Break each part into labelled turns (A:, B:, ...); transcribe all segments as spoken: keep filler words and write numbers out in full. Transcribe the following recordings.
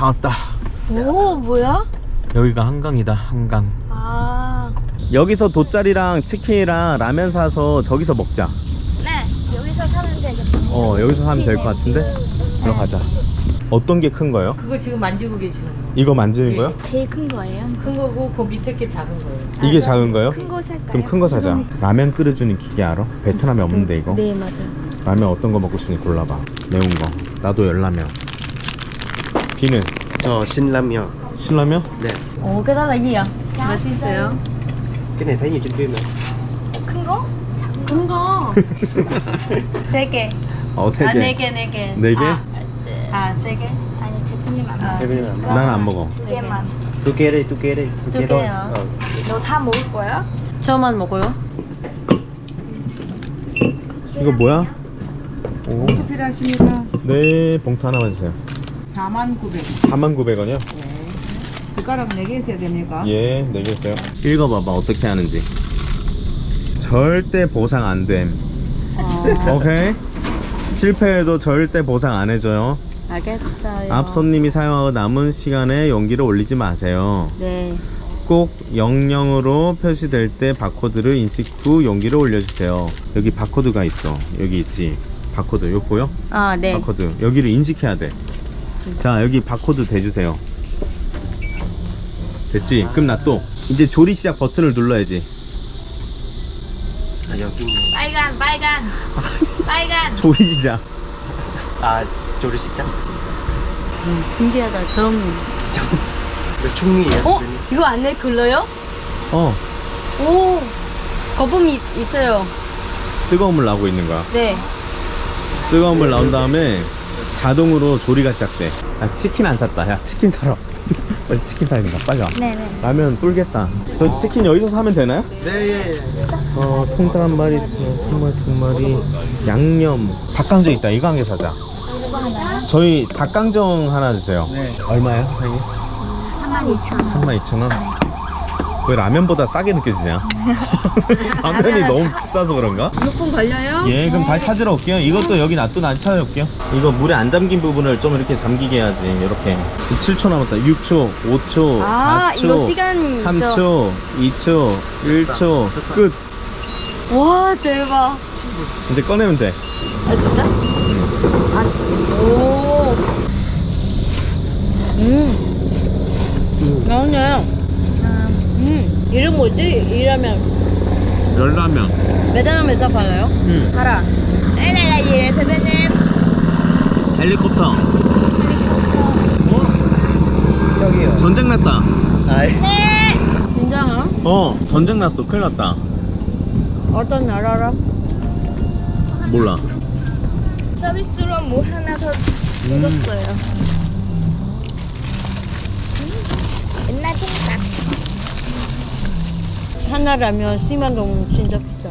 A: 다 왔다.
B: 오, 뭐야?
A: 여기가 한강이다. 한강.
B: 아,
A: 여기서 돗자리랑 치킨이랑 라면 사서 저기서 먹자.
B: 네, 여기서 사면 되겠다.
A: 어, 여기서 사면 될 것 같은데? 들어가자. 어떤 게 큰 거예요?
C: 그거 지금 만지고 계시는 거.
A: 이거 만지는
C: 예.
A: 거요?
B: 제일 큰 거예요?
C: 큰 거고 그 밑에 게 작은 거예요.
A: 이게 작은 거요?
B: 큰 거 살까요?
A: 그럼 큰 거 사자. 라면 끓여주는 기계 알아? 베트남에 없는데 이거?
B: 네, 맞아요.
A: 라면 어떤 거 먹고 싶니 골라봐. 매운 거. 나도 열라면. 비는?
D: Cho xin lamyo.
A: 신라면?
D: Nè,
C: 어, cái đó là gì ạ?
B: 맛있어요?
D: cái này thấy nhiều trên phim nè.
B: 큰 거?
C: 큰 거.
B: 세 개.
A: 어, 세
C: 아,
A: 개.
C: 네 개, 네 개.
A: 네 개?
C: 아, 세 개?
B: 아니, 대표님 안
C: 아,
B: 먹어.
D: Thế nên là
A: 난 안 먹어.
B: 두 개만.
D: tôi kê đây, tôi kê đây, tôi
C: Tôi
D: kê
C: kê
D: thôi.
C: hả?
D: Ờ.
B: 너 다 먹을 거야?
C: 저만 먹어요?
A: 이거 뭐야? 오.
C: 필요하십니까?
A: 네, 봉투 하나만 주세요.
C: 사만 구백.
A: 사만 구백 원이요?
C: 네. 숟가락 네 개 있어야 됩니까?
A: 예, 네 개 있어요. 읽어봐봐, 어떻게 하는지. 절대 보상 안 됨.
C: 어,
A: 오케이? 실패해도 절대 보상 안 해줘요.
C: 알겠어요.
A: 앞 손님이 사용하고 남은 시간에 용기를 올리지 마세요.
C: 네.
A: 꼭 영영으로 표시될 때 바코드를 인식 후 용기를 올려주세요. 여기 바코드가 있어. 여기 있지. 바코드. 이거 보여?
C: 아, 네.
A: 바코드. 여기를 인식해야 돼. 자, 여기 바코드 대주세요. 됐지? 그럼 나 또 이제 조리 시작 버튼을 눌러야지.
D: À, giờ kim.
B: 빨간, 빨간. 빨간.
A: 조리 시작.
D: À, cho đi xin chắc.
C: 음, 신기하다. 처음.
D: Được chung nghỉ á.
C: 어? 이거 안에 글러요?
A: 어,
C: 오. 거품이 있어요.
A: 뜨거운 물 나오고 있는 거야.
C: 네.
A: 뜨거운 물 나온 다음에 자동으로 조리가 시작돼. 야, 치킨 안 샀다. 야, 치킨 사러. 빨리 치킨 사야 된다. 빨리 와.
B: 네네.
A: 라면 불겠다. 저 치킨 여기서 사면 되나요?
D: 네, 예, 예.
A: 어, 통닭 한 마리, 통말 두 마리, 양념, 닭강정 있다. 이거 한 개 사자. 저희 닭강정 하나 주세요.
D: 네.
A: 얼마예요, 사장님?
B: 삼만 이천 원.
A: 삼만 이천 원? 왜 라면보다 싸게 느껴지냐? 라면이 너무 비싸서 그런가?
B: 몇 분 걸려요?
A: 예, 그럼 다시 찾으러 올게요. 이것도 여기 놔두고 난 찾아올게요. 이거 물에 안 잠긴 부분을 좀 이렇게 잠기게 해야지. 이렇게. 칠 초 남았다. 육 초, 오 초,
C: 아,
A: 사 초,
C: 이거 시간
A: 삼
C: 있어.
A: 초, 이 초, 일 초. 끝.
C: 와, 대박.
A: 이제 꺼내면 돼.
C: 아, 진짜? 아, 오. 음. 나오네. 음. 이름 뭐지? 이라면.
A: 열라면.
C: 매장에서 팔아요?
A: 응.
C: 팔아.
B: Đây này là gì vậy 대표님?
A: 헬리콥터. 어?
D: 저기요.
A: 전쟁 났다.
D: Đấy.
C: 진짜요?
A: 어, 전쟁 났어. 큰일 났다.
C: 어떤 나라라?
A: 몰라.
B: 서비스로 뭐 하나 더 뜯었어요. 옛날 통닭.
C: 하나라면 십만 동 진짜 비싸.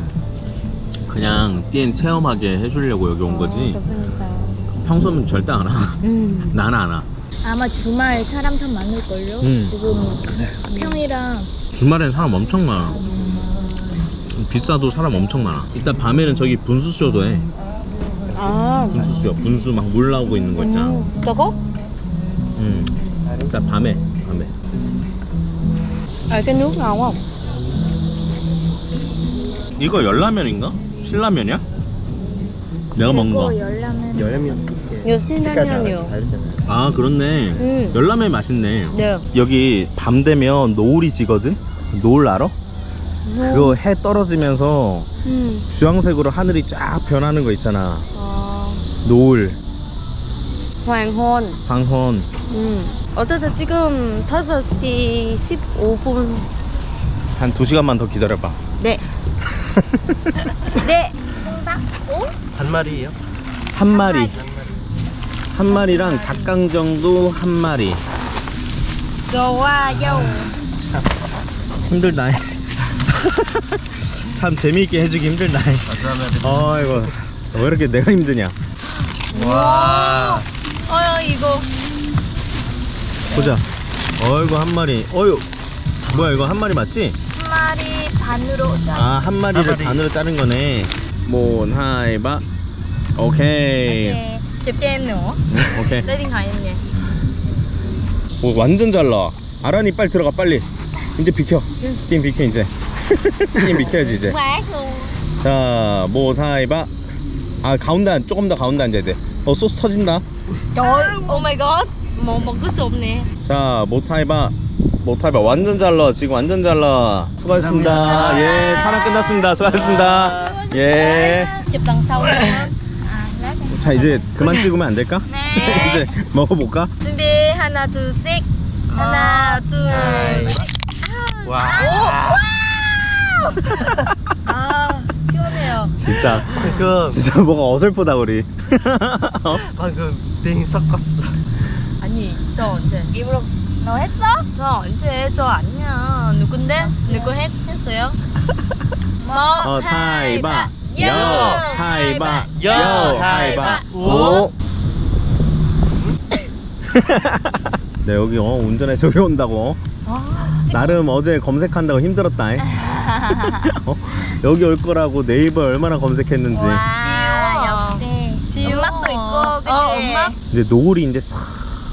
A: 그냥 띠엔 체험하게 해주려고 여기 온 거지.
C: 감사합니다.
A: 평소면 절대 안 와.
C: 음.
A: 나는 안 와.
B: 아마 주말 사람 더 많을걸요?
A: 음.
B: 지금 평이랑
A: 주말엔 사람 엄청 많아. 비싸도 사람 엄청 많아. 이따 밤에는 저기 분수쇼도 해.
C: 아.
A: 분수쇼. 분수 막 물 나오고 있는 거 있잖아.
C: 음, 저거?
A: 응. 이따 밤에. 밤에.
C: 아, cái nước ngon không?
A: 이거 열라면인가? 신라면이야? 내가 먹는 거.
B: 열라면.
D: 열라면.
C: 이거
D: 색깔 다
C: 신라면이요.
D: 다르잖아요.
A: 아, 그렇네.
C: 음.
A: 열라면 맛있네.
C: 네.
A: 여기 밤 되면 노을이 지거든? 노을 알아? 그거 해 떨어지면서
C: 음.
A: 주황색으로 하늘이 쫙 변하는 거 있잖아.
C: 어,
A: 노을,
C: 황혼.
A: 황혼.
C: 음. 어쨌든 지금 다섯 시 십오 분.
A: 한 두 시간만 더 기다려봐.
C: 네. 네.
D: 한 마리예요?
A: 한 마리. 한 마리랑 닭강정도 한 마리.
C: 좋아요.
A: 힘들다. 참 재미있게 해주기 힘들다. 어이구, 왜 이렇게 내가 힘드냐.
D: 와.
C: 어, 이거.
A: 보자. 어이구, 한 마리. 어휴, 뭐야, 이거 한 마리 맞지?
B: 한 마리 반으로 짜.
A: 아, 한 마리를
D: 한 마리.
A: 반으로 자른 거네. 몬, 하이, 바. 오케이.
B: 네. Chụp cho em nữa.
A: 응, 오케이.
B: Lấy điện thoại em nè.
A: 오, 완전 잘 나와. 아란이 빨리 들어가 빨리. 이제 비켜. 게임 비켜 이제. 게임 비켜야지 이제.
B: Quát luôn.
A: 자, 뭐 타이바. 아 가운데 안- 조금 더 가운데 앉아야 돼. 어 소스 터진다.
C: Trời ơi, oh my god. Một một cái sụp nè.
A: 자, 모타이바. 모타이바 완전 잘 나와. 지금 완전 잘 나와. 수고하셨습니다. 예, 촬영 끝났습니다. 수고하셨습니다. 예.
C: Chụp đằng sau luôn á.
A: 자, 이제 그만 찍으면 안 될까? 이제 먹어볼까?
C: 준비 하나 둘 셋. 하나 둘 셋.
D: 와.
C: 아 시원해요.
A: 진짜
D: 방금
A: 진짜 뭐가 어설프다 우리. 어?
D: 방금 빙 섞었어.
C: 아니 저 언제?
B: 일부러 너 했어?
C: 저 언제? 저 아니야. 누군데? 누구 했, 했어요? 뭐?
A: 어, 타이바.
C: 요.
A: 요. 타이바.
D: 요.
A: 요. 타이바.
D: 타이바.
A: 오. 네, 여기 어, 운전해 저기 온다고. 나름 어제 검색한다고 힘들었다. 어? 여기 올 거라고 네이버 얼마나 검색했는지.
B: 와, 역시.
C: 지워.
B: 엄마도 있고, 그치?
C: 어, 엄마?
A: 이제 노을이 이제 싹.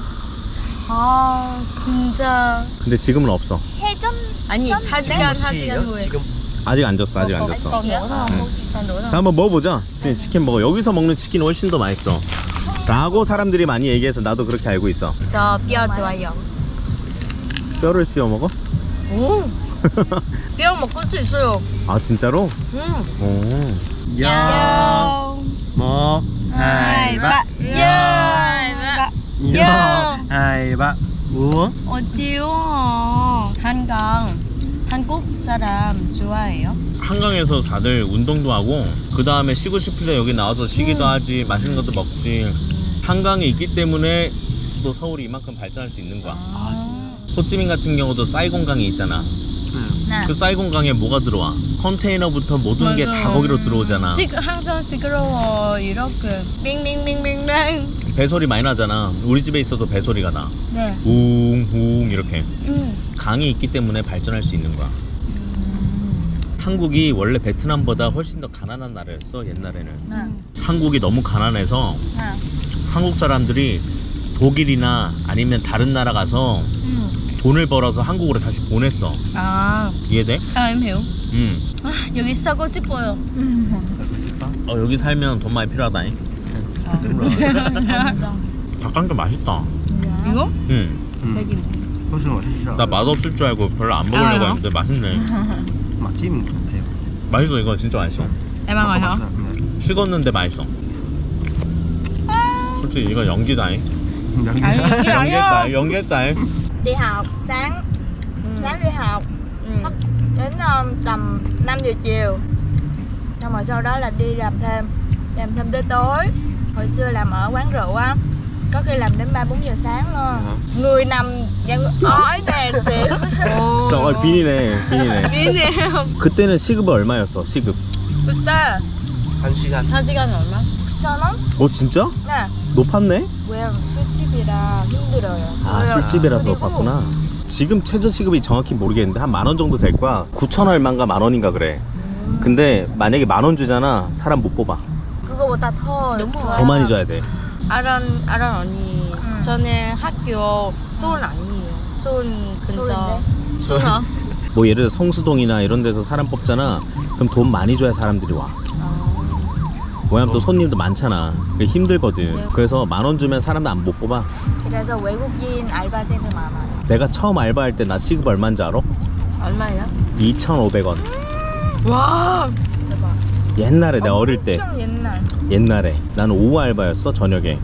C: 아 진짜.
A: 근데 지금은 없어.
B: 해전?
C: 아니 한 시간 한 시간 후에.
D: 지금
A: 아직 안 졌어. 아직 안 졌어.
C: còn nữa không? Còn nữa
A: 자,
C: không?
A: 한번 먹어보자. 지금 치킨 먹어. 여기서 먹는 치킨이 훨씬 더 맛있어. 라고 사람들이 많이 얘기해서 나도 그렇게 알고 있어.
C: 저 뼈 좋아요.
A: 뼈를 씌워 먹어?
C: 오. 뼈 먹을 수 있어요.
A: 아 진짜로?
C: 음.
A: 오.
D: 야. 뭐 타이바.
C: 야.
D: 요. 타이바. 우와.
C: 어찌요? 한강 한국 사람 좋아해요?
A: 한강에서 다들 운동도 하고 그 다음에 쉬고 싶을 때 여기 나와서 쉬기도 하지 맛있는 것도 먹지. 한강이 있기 때문에 또 서울이 이만큼 발전할 수 있는 거야. 호찌민 같은 경우도 사이공강이 있잖아.
C: 네.
A: 그 사이공강에 뭐가 들어와? 컨테이너부터 모든 게 다
C: 맞아.
A: 거기로 들어오잖아.
C: 시, 항상 시끄러워 이렇게 빙빙빙빙빙.
A: 배소리 많이 나잖아. 우리 집에 있어도 배소리가 나.
C: 네.
A: 웅웅 이렇게.
C: 음.
A: 강이 있기 때문에 발전할 수 있는 거야. 한국이 원래 베트남보다 훨씬 더 가난한 나라였어 옛날에는.
B: 네.
A: 한국이 너무 가난해서
B: 네.
A: 한국 사람들이 독일이나 아니면 다른 나라 가서
C: 음.
A: 돈을 벌어서 한국으로 다시 보냈어.
C: 아,
A: 이해돼?
C: 아, em hiểu.
A: 응.
C: 아, 여기 사고 싶어요.
A: 어, 여기 살면 돈 많이 필요하다. 닭강정 맛있다.
C: 이거?
A: 응.
C: 되게
D: 무슨 맛있어?
A: 나 맛없을 줄 알고 별로 안 먹으려고
C: 아,
A: 했는데 맛있네.
D: 맛집 같아요.
A: 맛있어. 이거 진짜 맛있어.
C: em ăn rồi hả?
D: 네.
A: 식었는데 맛있어. 솔직히 이거 연기다잉.
C: 아니, 이게 아니야.
A: 연기했다. 연기했다.
B: Đi học sáng, sáng đi học
C: 음.
B: đến um, tầm năm giờ chiều. Xong rồi sau đó là đi làm thêm, làm thêm tới tối. Hồi xưa làm ở quán rượu á, có khi làm đến ba bốn giờ sáng luôn. Người nằm dạng ói nè xỉu.
A: 저 어, 빈이네. 빈이네.
C: 미네요.
A: 그때는 시급이 얼마였어? 시급.
B: 그때
D: 한 시간.
C: 한 시간에 얼마?
B: 천 원?
A: 어 진짜?
B: 네.
A: 높았네?
B: 왜 술집이라 힘들어요.
A: 아
B: 그래요.
A: 술집이라서
B: 그리고
A: 높았구나. 지금 최저 시급이 정확히 모르겠는데 한 만 원 정도 될 거야. 구천 얼마인가 만 원인가 그래. 근데 만약에 만 원 주잖아. 사람 못 뽑아.
B: 그거보다 더
C: đúng rồi.
A: 더 많이 줘야 돼.
C: 아란 아란 언니.
B: 응.
C: 저는 학교 서울 아니에요. 서울 근처.
B: 서울인데?
C: 서울.
A: 뭐 예를 들어 성수동이나 이런 데서 사람 뽑잖아. 그럼 돈 많이 줘야 사람들이 와. 왜냐면 또 손님도 많잖아. 그게 힘들거든. 그래서 만 원 주면 사람들 안 못 뽑아.
B: 그래서 외국인 알바생들 많아요.
A: 내가 처음 알바할 때 나 시급 얼마인지 알아?
C: 얼마야?
A: 이천오백 원.
C: 와.
A: 옛날에 내가 어릴 때.
B: 엄청 옛날.
A: 옛날에 나는 오후 알바였어. 저녁에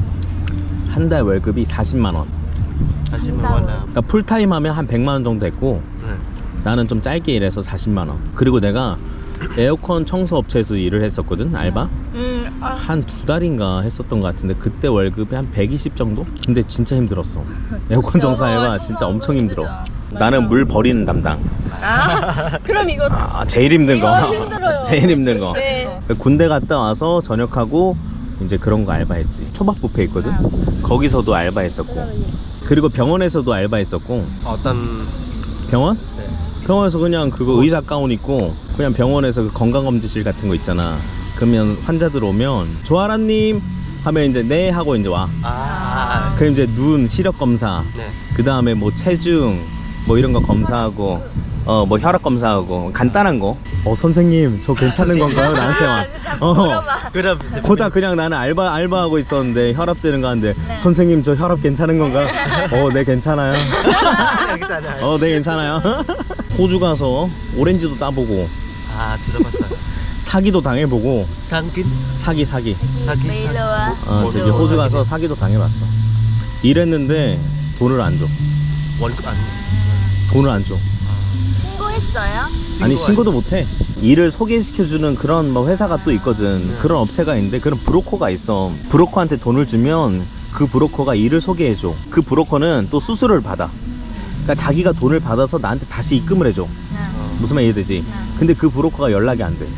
A: 한 달 월급이 사십만 원.
D: 다시만 원나.
A: 그러니까 풀타임 하면 한 백만 원 정도 됐고
D: 네.
A: 나는 좀 짧게 일해서 사십만 원. 그리고 내가 에어컨 청소 업체에서 일을 했었거든. 알바
C: 음. 아.
A: 한 두 달인가 했었던 것 같은데 그때 월급이 한 백이십 정도? 근데 진짜 힘들었어. 에어컨 청소 알바 진짜 엄청 힘들어. 나는 물 버리는 담당.
C: 아. 그럼 이거
A: 아, 제일 힘든 거.
C: 이거 힘들어요.
A: 제일 힘든 거.
C: 네.
A: 군대 갔다 와서 전역하고 이제 그런 거 알바했지. 초밥 뷔페 있거든. 거기서도 알바했었고. 그리고 병원에서도 알바했었고.
D: 어떤
A: 병원?
D: 네.
A: 병원에서 그냥 그거 의사 가운 입고 그냥 병원에서 그 건강검진실 같은 거 있잖아. 그러면 환자들 오면 조아라님 하면 이제 네 하고 이제 와.
D: 아. 아,
A: 그럼 이제 눈 시력 검사,
D: 네.
A: 그 다음에 뭐 체중 뭐 이런 거 검사하고 어 뭐 혈압 검사하고 간단한 거. 어 선생님 저 괜찮은 건가요? 나한테만. 어.
D: 그럼
A: 고작 그냥 나는 알바 알바하고 있었는데 혈압 재는 거 하는데
B: 네.
A: 선생님 저 혈압 괜찮은 건가요? 어 네 괜찮아요.
D: 괜찮아요.
A: 어 네 괜찮아요. 호주 가서 오렌지도 따보고
D: 아, 들어봤어요.
A: 사기도 당해보고.
D: 상긴?
A: 사기 사기.
D: 사기,
B: bị
D: 사기.
B: lừa.
A: 어
D: 뭐,
A: 저기
D: 뭐,
A: 호주
D: 사기네.
A: 가서 사기도 당해봤어. 일했는데 돈을 안 줘.
D: 월급 안.
A: 돈을 안 줘.
B: 신고했어요?
A: 아니 신고도 못해. 일을 소개시켜주는 그런 뭐 회사가 또 있거든.
D: 네.
A: 그런 업체가 있는데 그런 브로커가 있어. 브로커한테 돈을 주면 그 브로커가 일을 소개해줘. 그 브로커는 또 수수료를 받아. 그러니까 자기가 돈을 받아서 나한테 다시 입금을 해줘.
B: 네.
A: 무슨 말 이해되지? 근데 그 브로커가 연락이 안 돼.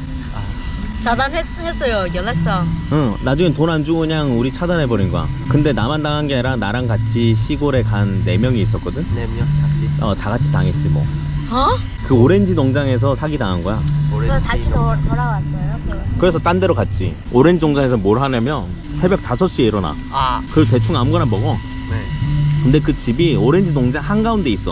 C: 차단했어요. 연락상.
A: 응, 나중엔 돈 안 주고 그냥 우리 차단해버린 거야. 근데 나만 당한 게 아니라 나랑 같이 시골에 간 네 명이 있었거든?
D: 냄요 같이.
A: 어, 다 같이 당했지 뭐.
C: 어?
A: 그 오렌지 농장에서 사기 당한 거야.
B: 그래서 다시 도, 돌아왔어요? 그.
A: 그래서 딴 데로 갔지. 오렌지 농장에서 뭘 하냐면 새벽 다섯 시에 일어나.
D: 아,
A: 그걸 대충 아무거나 먹어.
D: 네.
A: 근데 그 집이 오렌지 농장 한가운데 있어.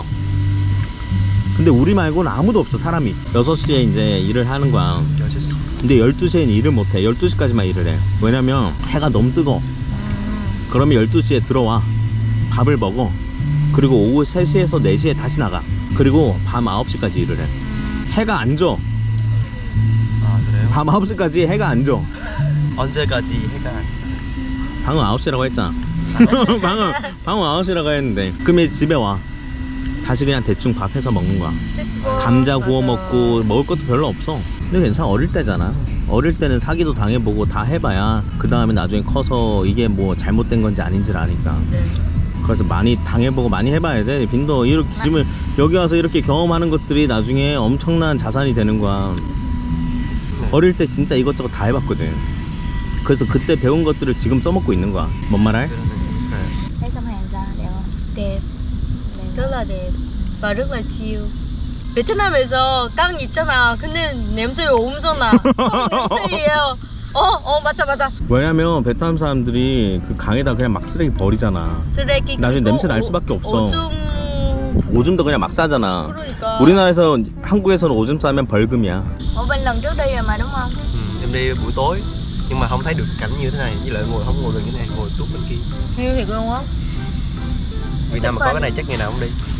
A: 근데 우리 말고는 아무도 없어, 사람이. 여섯 시에 이제 일을 하는 거야.
D: 여섯 시.
A: 근데 열두 시에는 일을 못해. 열두 시까지만 일을 해. 왜냐면 해가 너무 뜨거워. 그러면 열두 시에 들어와. 밥을 먹어. 그리고 오후 세 시에서 네 시에 다시 나가. 그리고 밤 아홉 시까지 일을 해. 해가 안 져.
D: 아, 그래요?
A: 밤 아홉 시까지 해가 안 져.
D: 언제까지 해가 안 져요?
A: 방금 아홉 시라고 했잖아. 방금, 방금 아홉 시라고 했는데. 그러면 집에 와. 다시 그냥 대충 밥 해서 먹는 거야. 감자 구워 먹고 먹을 것도 별로 없어. 근데 괜찮아. 어릴 때잖아. 어릴 때는 사기도 당해보고 다 해봐야 그 다음에 나중에 커서 이게 뭐 잘못된 건지 아닌지를 아니까. 그래서 많이 당해보고 많이 해봐야 돼. 빈도 이렇게 지금 여기 와서 이렇게 경험하는 것들이 나중에 엄청난 자산이 되는 거야. 어릴 때 진짜 이것저것 다 해봤거든. 그래서 그때 배운 것들을 지금 써먹고 있는 거야. 뭔 말 할?
D: 그러면 있어요.
B: Thấy sông Hàn sao? Đẹp không?
C: đẹp. rất là đẹp và rất là chill. 베트남에서 깡 있잖아. 근데 냄새 엄청나. 깡 냄새예요. 어, 어, 맞아, 맞아.
A: 왜냐면 베트남 사람들이 그 강에다 그냥 막 쓰레기 버리잖아.
C: 쓰레기.
A: 나중에
C: 그리고
A: 냄새 날
C: 오-
A: 수밖에 없어.
C: 오줌.
A: 오줌도 그냥 막 싸잖아.
C: 그러니까.
A: 우리나라에서 한국에서는 오줌 싸면 벌금이야.
B: Ủa bên lần trước đi rồi mà đúng không?
D: Ừ, em đi buổi tối nhưng mà không thấy được cảnh như thế này, với lại ngồi không ngồi gần cái này, ngồi tuốt bên kia.
C: Heo thiệt luôn á.
D: Việt Nam mà có cái này chắc ngày nào cũng đi.